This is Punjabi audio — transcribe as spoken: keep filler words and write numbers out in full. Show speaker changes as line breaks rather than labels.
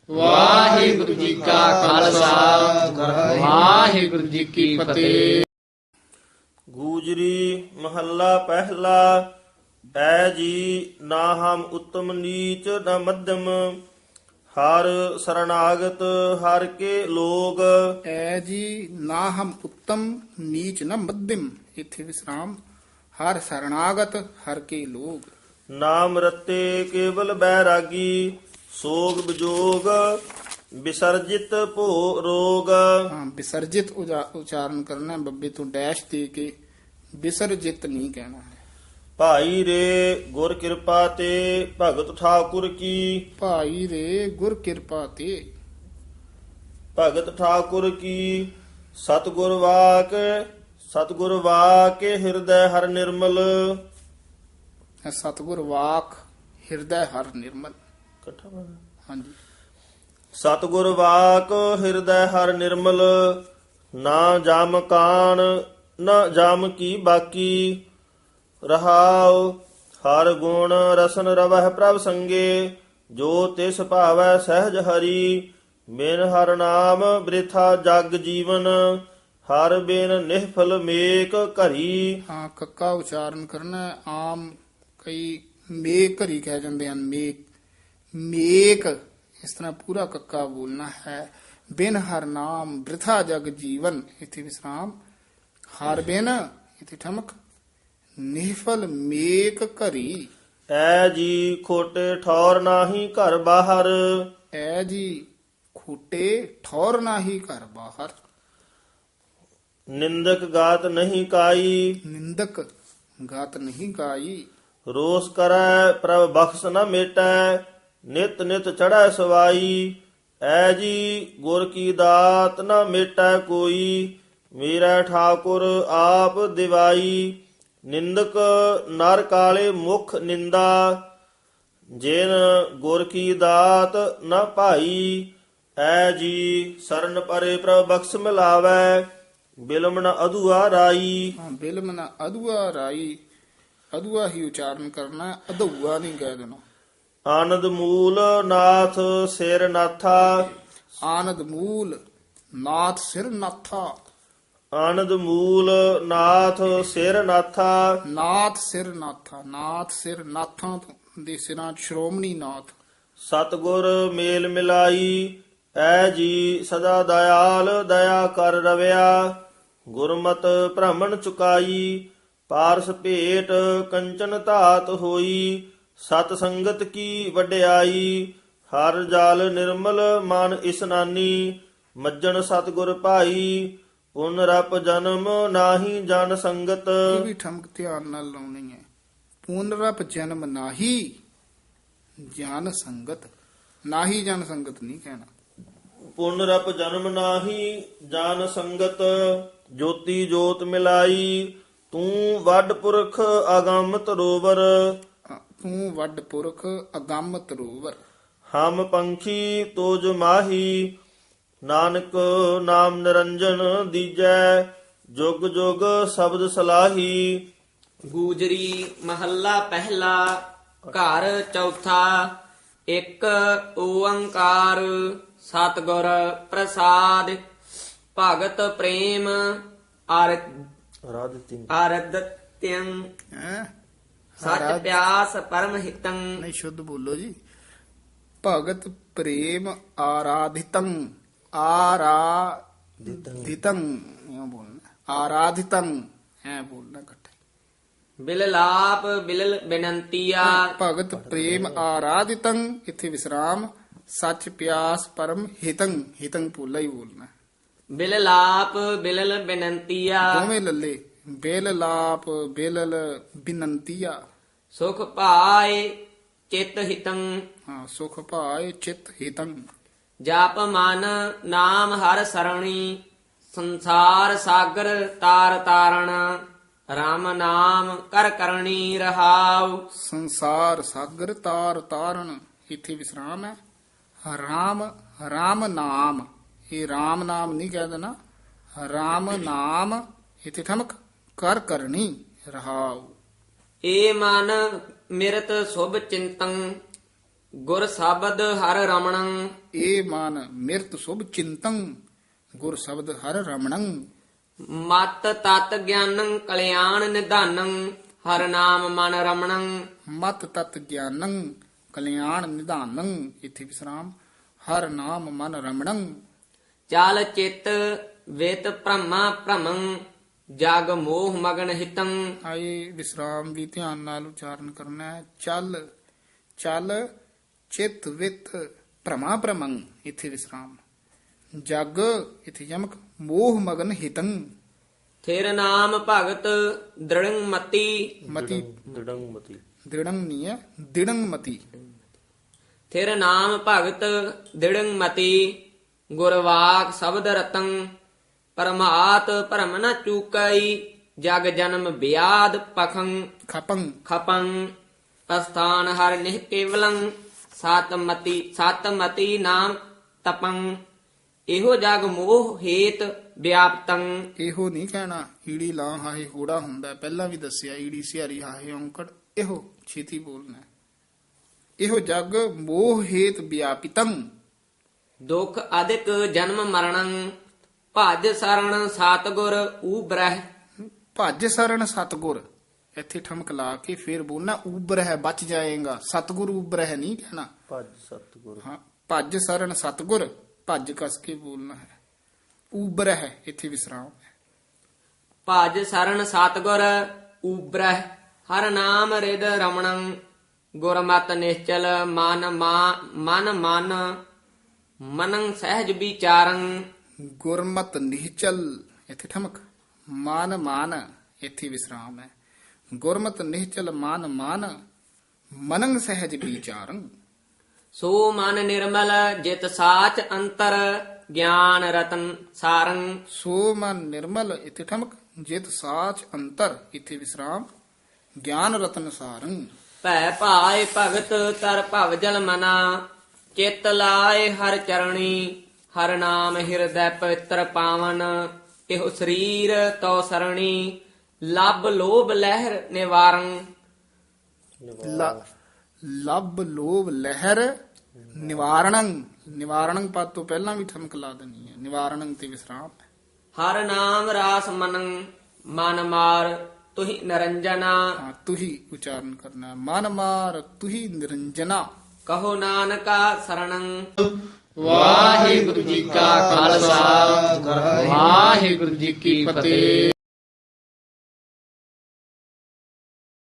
ਵਾਹਿਗੁਰੂ ਜੀ ਕਾ ਖਾਲਸਾ ਵਾਹਿਗੁਰੂ ਜੀ ਕੀ ਫਤਿਹ।
ਗੂਜਰੀ ਮਹੱਲਾ ਪਹਿਲਾ। ਐ ਜੀ ਨਾ ਹਮ ਉਤਮ ਨੀਚ ਨ ਮਧਮ, ਹਰ ਸਰਣਾਗਤ ਹਰ ਕੇ ਲੋਗ।
ਐ ਜੀ ਨਾ ਹਮ ਉੱਤਮ ਨੀਚ ਨ ਮੱਧਮ, ਇੱਥੇ ਵਿਸਰਾਮ। ਹਰ ਸਰਣਾਗਤ ਹਰ ਕੇ ਲੋਗ।
ਨਾਮ ਰਤੇ ਕੇਵਲ ਬੈਰਾਗੀ, ਸੋਗ ਵਿਜੋਗ ਵਿਸਰਜਿਤ ਭੋ ਰੋਗ।
ਹਾਂ, ਵਿਸਰਜਿਤ ਉਜਾ- ਉਚਾਰਨ ਕਰਨਾ ਹੈ, ਬੱਬੇ ਤੋਂ ਡੈਸ਼ ਦੇ ਕੇ। ਵਿਸਰਜਿਤ ਨਹੀਂ ਕਹਿਣਾ ਹੈ।
ਭਾਈ ਰੇ ਗੁਰ ਕਿਰਪਾ ਤੇ ਭਗਤ ਠਾਕੁਰ ਕੀ,
ਭਾਈ ਰੇ ਗੁਰ ਕਿਰਪਾ ਤੇ।
ਭਗਤ ਠਾਕੁਰ ਕੀ ਸਤਿਗੁਰ ਵਾਕ, ਸਤਿਗੁਰ ਵਾਕ ਹਿਰਦੈ ਹਰ ਨਿਰਮਲ।
ਸਤਿਗੁਰ ਵਾਕ ਹਿਰਦੈ ਹਰ ਨਿਰਮਲ।
ਇਕੱਠਾ ਬੋਲਣਾ।
ਹਾਂਜੀ।
ਸਤਿਗੁਰ ਵਾਕ ਹਿਰਦੈ ਹਰ ਨਿਰਮਲ, ਨਾ ਜਮ ਕਾਣ ਨਾ ਜਮ ਕੀ ਬਾਕੀ। ਰਹਾਉ ਹਰ ਗੁਣ ਰਸਨ ਰਵਹਿ ਪ੍ਰਭ ਸੰਗੇ, ਜੋ ਤਿਸ ਭਾਵੈ ਸਹਿਜ ਹਰੀ। ਬਿਨ ਹਰ ਨਾਮ ਬ੍ਰਿਥਾ ਜਗ ਜੀਵਨ, ਹਰ ਬਿਨ ਨਿਹਫਲ ਮੇਕ ਘਰੀ।
ਹਾਂ, ਕੱਕਾ ਉਚਾਰਨ ਕਰਨਾ ਹੈ। ਆਮ ਕਈ ਮੇਕ ਘਰੀ ਕਹਿ ਜਾਂਦੇ ਹਨ। ਮੇਕ ਮੇਕ ਇਸ ਤਰ੍ਹਾਂ ਪੂਰਾ ਕੱਕਾ ਬੋਲਣਾ ਹੈ। ਬਿਨ ਹਰ ਨਾਮ ਬ੍ਰਿਥਾ ਜਗ ਜੀਵਨ, ਇੱਥੇ ਵਿਸਰਾਮ। ਹਰ ਬਿਨ ਇੱਥੇ ਠਮਕ। ਨਿਹਫਲ ਮੇਕ ਘਰੀ।
ਐ ਜੀ ਖੋਟੇ ਠੌਰ ਨਾਹੀ ਘਰ ਬਾਹਰ,
ਐ ਜੀ ਖੋਟੇ ਠੌਰ ਨਾਹੀ ਘਰ ਬਾਹਰ।
ਨਿੰਦਕ ਗਾਤ ਨਹੀਂ ਕਾਈ।
ਨਿੰਦਕ ਗਾਤ ਨਹੀਂ ਗਾਈ।
ਰੋਸ ਕਰੈ ਪ੍ਰਭ ਬਖਸ਼ ਨ ਮੇਟੈ, ਨਿਤ ਨਿਤ ਚੜ੍ਹੈ ਸਵਾਈ। ਐ ਜੀ ਗੁਰ ਕੀ ਦਾਤ ਨ ਮੇਟੈ ਕੋਈ, ਮੇਰਾ ਠਾਕੁਰ ਆਪ ਦਿਵਾਈ। ਨਿੰਦਕ ਨਰ ਕਾਲੇ ਮੁਖ ਨਿੰਦਾ, ਜਿਨ ਗੁਰ ਕੀ ਦਾਤ ਨ ਭਾਈ। ਐ ਜੀ ਸਰਨ ਪਰੇ ਪ੍ਰਭ ਬਖਸ਼ ਮਿਲਾਵੈ, ਬਿਲਮ ਨ ਅਧੂਆ ਰਾਈ।
ਹਾਂ, ਬਿਲਮ ਨਾ ਅਦੁਆ ਰਾਈ। ਅਦੁਆ ਹੀ ਉਚਾਰਨ ਕਰਨਾ ਹੈ, ਅਦੁਆ ਨਹੀਂ ਕਹਿ ਦੇਣਾ।
ਆਨੰਦ ਮੂਲ ਨਾਥ ਸਿਰ ਨਾਥਾ,
ਆਨੰਦ ਮੂਲ ਨਾਥ ਸਿਰ ਨਾਥਾ।
ਆਨੰਦ ਮੂਲ ਨਾਥ ਸਿਰ ਨਾਥਾ।
ਨਾਥ ਸਿਰ ਨਾਥਾ। ਨਾਥ ਸਿਰ ਨਾਥਾਂ ਦੇ ਸਿਰਾਂ 'ਚ ਸ਼੍ਰੋਮਣੀ ਨਾਥ।
ਸਤਿਗੁਰ ਮੇਲ ਮਿਲਾਈ, ਐ ਜੀ ਸਦਾ ਦਇਆਲ ਦਇਆ ਕਰ ਰਵਿਆ। ਗੁਰਮਤਿ ਭ੍ਰਮਣ ਚੁਕਾਈ, ਪਾਰਸ ਭੇਟ ਕੰਚਨ ਧਾਤ ਹੋਈ। ਸਤ ਸੰਗਤ ਕੀ ਵਡਿਆਈ, ਹਰ ਜਲ ਨਿਰਮਲ ਮਨ ਇਸਨਾਨੀ। ਮੱਜਣ ਸਤਿਗੁਰ ਭਾਈ, ਪੁਨ ਰਪ ਜਨਮ ਨਾਹੀ ਜਨ ਸੰਗਤ।
ਇਹ ਵੀ ਠਮਕ ਧਿਆਨ ਨਾਲ ਲਾਉਣੀ ਹੈ। ਪੁਨਰਪ ਜਨਮ ਨਾਹੀ ਜਨ ਸੰਗਤ। ਨਾਹੀ ਜਨ ਸੰਗਤ ਨਹੀਂ ਕਹਿਣਾ।
ਪੁਨ ਰਪ ਜਨਮ ਨਾਹੀ ਜਨ ਸੰਗਤ। ਜੋਤੀ ਜੋਤ ਮਿਲਾਈ, ਤੂੰ ਵੱਡ ਪੁਰਖ ਅਗੰਮ ਤਰੋਵਰ।
ਤੂੰ ਵੱਡ ਪੁਰਖ ਅਗੰਮ ਤਰੋਵਰ।
ਹਮ ਪੰਖੀ ਤੋਜ ਮਾਹੀ, ਨਾਨਕ ਨਾਮ ਨਿਰੰਜਨ ਦੀਜੈ। ਜੁਗ ਜੁਗ ਸ਼ਬਦ ਸਲਾਹੀ।
ਗੂਜਰੀ ਮਹੱਲਾ ਪਹਿਲਾ। ਘਰ ਚੌਥਾ। ਇੱਕ ਓੰਕਾਰ ਸਤਿਗੁਰ ਪ੍ਰਸਾਦ, ਭਗਤ ਪ੍ਰੇਮ ਅਰ
ਰਾਧਿਤੀ
ਅਰਦਤਿੰ।
ਹੈਂ?
ਸਚ ਪਿਆਸ ਪਰਮ ਹਿਤੰ।
ਨਹੀਂ, ਸ਼ੁੱਧ ਬੋਲੋ ਜੀ। ਭਗਤ ਪ੍ਰੇਮ ਆਰਾਧਿਤੰ। ਆਰਾਧਿਤੰ ਇਹ ਬੋਲਣਾ। ਆਰਾਧਿਤੰ ਐ ਬੋਲਣਾ ਇਕੱਠੇ।
Bill ਲਾਪ bill ਬੇਨੰਤੀਆ।
ਭਗਤ ਪ੍ਰੇਮ ਆਰਾਧਿਤੰ, ਇੱਥੇ ਵਿਸਰਾਮ। ਸੱਚ ਪਿਆਸ ਪਰਮ ਹਿਤੰ। ਹਿਤੰ ਪੋਲਾ ਹੀ ਬੋਲਣਾ।
ਬਿਲ ਲਾਪ ਬਿਲਲ ਬੇਨੰਤੀਆ।
ਦੋਵੇਂ ਲੱਲੇ। ਬੇਲ ਲਾਪ ਬੇਲਲ ਬਿਨੰਤੀਆ।
ਸੁਖ ਭਾਏ ਚਿਤ ਹਿਤੰ।
ਹਾਂ, ਸੁਖ ਭਾਏ ਚਿਤ ਹਿਤੰ।
ਜਪ ਮਨ ਨਾਮ ਹਰ ਸਰਣੀ, ਸੰਸਾਰ ਸਾਗਰ ਤਾਰ ਤਾਰਣ। ਰਾਮ ਨਾਮ ਕਰ ਕਰਣੀ ਰਹਾਉ।
ਸੰਸਾਰ ਸਾਗਰ ਤਾਰ ਤਾਰਨ, ਇੱਥੇ ਵਿਸਰਾਮ ਹੈ। ਰਾਮ ਰਾਮ ਨਾਮ, ਇਹ ਰਾਮ ਨਾਮ ਨਹੀਂ ਕਹਿ ਦੇਣਾ। ਰਾਮ ਨਾਮ ਇੱਥੇ ਠਮਕ। ਕਰ ਕਰਨੀ ਰਹਾਉ।
ਏ ਮਨ ਮਿਰਤ ਸੁਭ ਚਿੰਤੰ, ਗੁਰ ਸ਼ਬਦ ਹਰ ਰਮਣੰ
ਏ ਮਨ ਮਿਰਤ ਸੁਭ ਚਿੰਤੰ ਗੁਰ ਸ਼ਬਦ ਹਰ ਰਮਣੰ
ਮਤ ਤਤ ਗਿਆਨੰ ਕਲਿਆਣ ਨਿਧਾਨੰ ਹਰ ਨਾਮ ਮਨ ਰਮਣੰ
ਮਤ ਤਤ ਗਿਆਨੰ ਕਲਿਆਣ ਨਿਧਾਨੰ ਇਥੇ ਵਿਸਰਾਮ ਹਰ ਨਾਮ ਮਨ ਰਮਣੰ
ਚਾਲ ਚਿਤ ਵੇਤ ਭ੍ਰਮਾ ਭ੍ਰਮੰ ਜਗ ਮੋਹ ਮਗਨ ਹਿਤੰ
ਆਏ ਵਿਸਰਾਮ ਵੀ ਧਿਆਨ ਨਾਲ ਉਚਾਰਨ ਕਰਨਾ ਹੈ। ਚੱਲ ਚੱਲ ਚਿਤ ਵਿਤ ਭ੍ਰਮਾ ਭ੍ਰਮੰ ਇਥੇ ਵਿਸਰਾਮ ਜਗ ਇਥੇ ਯਮਕ ਮੋਹ ਮਗਨ ਹਿਤੰ
ਥਿਰ ਨਾਮ ਭਗਤ ਦ੍ਰਿੜੰ ਮਤੀ
ਮਤੀ
ਦ੍ਰਿੜੰ ਮਤੀ
ਦ੍ਰਿੜੰ ਨਹੀਂ ਹੈ ਦਿੜੰ ਮਤੀ
ਥਿਰ ਨਾਮ ਭਗਤ ਦ੍ਰਿੜੰ ਮਤੀ ਗੁਰਵਾਕ ਸ਼ਬਦ ਰਤੰ ਪਰਮਾਤ ਭਰਮ ਨ ਚੂਕਈ ਜਗ ਜਨਮ ਬਿਆਦ ਪਖੰ
ਖਪੰ
ਖਪੰ ਅਸਥਾਨ ਹਰ ਨਿਹ ਕੇਵਲੰ ਸਤਮਤੀ ਸਤਮਤੀ ਨਾਮ ਤਪੰ ਇਹੋ ਜਗ ਮੋਹ ਹੇਤ ਵਿਆਪਤੰ
ਇਹੋ ਨਹੀਂ ਕਹਿਣਾ ਈੜੀ ਲਾਂ ਹਾਹੇ ਹੋੜਾ ਹੁੰਦਾ ਹੈ। ਪਹਿਲਾਂ ਵੀ ਦੱਸਿਆ ਈੜੀ ਸਿਹਾਰੀ ਹਾਹੇ ਔਂਕੜ ਇਹੋ ਛੇਤੀ ਬੋਲਣਾ ਹੈ। ਇਹੋ ਜਗ ਮੋਹ ਹੇਤ ਵਿਆਪਿਤੰ
ਦੁਖ ਅਧਿਕ ਜਨਮ ਮਰਣੰ ਭਜ ਸਰਣ ਸਤਗੁਰ ਊਬਰਹਿ
ਭੱਜ ਸਰਣ ਸਤਗੁਰ ਇੱਥੇ ਠਮਕ ਲਾ ਕੇ ਫੇਰ ਬੋਲਣਾ ਉਬਰ ਹੈ ਬਚ ਜਾਏਗਾ ਸਤਗੁਰ ਉਬਰ ਹੈ ਨਹੀਂ ਕਹਿਣਾ
ਭਜ ਸਤਿਗੁਰ
ਹਾਂ ਭੱਜ ਸਰਣ ਸਤਗੁਰ ਭੱਜ ਕਸ ਕੇ ਬੋਲਣਾ ਹੈ ਉਬਰ ਹੈ ਇੱਥੇ ਵਿਸਰਾਮ ਹੈ।
ਭਜ ਸਰਣ ਸਤਗੁਰ ਊਬਰਹਿ ਹਰ ਨਾਮ ਰਿਦ ਰਮਣੰ ਗੁਰਮਤਿ ਨਿਸ਼ਚਲ ਮਨ ਮਾ- ਮਨ ਮਨ ਮਨੰ ਸਹਿਜ ਵਿਚਾਰੰ
ਗੁਰਮਤ ਨਿਹਚਲ ਇੱਥੇ ਠਮਕ ਮਾਨ ਮਾਨ ਇੱਥੇ ਵਿਸਰਾਮ ਹੈ। ਗੁਰਮਤ ਨਿਹਚਲ ਮਾਨ ਮਾਨ ਮਨੰ ਸਹਿਜ ਵਿਚਾਰੰ
ਸੋ ਮਨ ਨਿਰਮਲ ਜਿਤ ਸਾਚ ਅੰਤਰ ਗਿਆਨ ਰਤਨ ਸਾਰੰ
ਸੋ ਮਨ ਨਿਰਮਲ ਇੱਥੇ ਠਮਕ ਜਿਤ ਸਾਚ ਅੰਤਰ ਇੱਥੇ ਵਿਸਰਾਮ ਗਿਆਨ ਰਤਨ ਸਾਰੰ
ਭੈ ਭਾਏ ਭਗਤ ਤਰ ਭਵ ਜਲ ਮਨਾ ਚਿਤ ਲਾਏ ਹਰ ਚਰਣੀ ਹਰ ਨਾਮ ਹਿਰਦੈ ਪਵਿੱਤਰ ਪਾਵਨ ਇਹੋ ਸਰੀਰ ਤੋ ਸਰਣੀ ਲੱਭ ਲੋਭ ਲਹਿਰ ਨਿਵਾਰੰ
ਲ- ਲੱਭ ਲੋਭ ਲਹਿਰ ਨਿਵਾਰਣੰ ਨਿਵਾਰਣੰ ਪਦ ਤੋਂ ਪਹਿਲਾਂ ਵੀ ਠਮਕ ਲਾ ਦੇਣੀ ਹੈ ਨਿਵਾਰਣੰ ਤੇ ਵਿਸਰਾਮ
ਹਰ ਨਾਮ ਰਾਸ ਮਨੰ ਮਨ ਮਾਰ ਤੁਹੀ ਨਰੰਜਨਾ
ਹਾਂ ਤੁਹੀ ਉਚਾਰਨ ਕਰਨਾ ਹੈ। ਮਨ ਮਾਰ ਤੁਹੀ ਨਿਰੰਜਨਾ
ਕਹੋ ਨਾਨਕਾ ਸਰਣੰ
ਵਾਹਿਗੁਰੂ ਜੀ ਕਾ ਖਾਲਸਾ ਵਾਹਿਗੁਰੂ ਜੀ ਕੀ ਫਤਿਹ।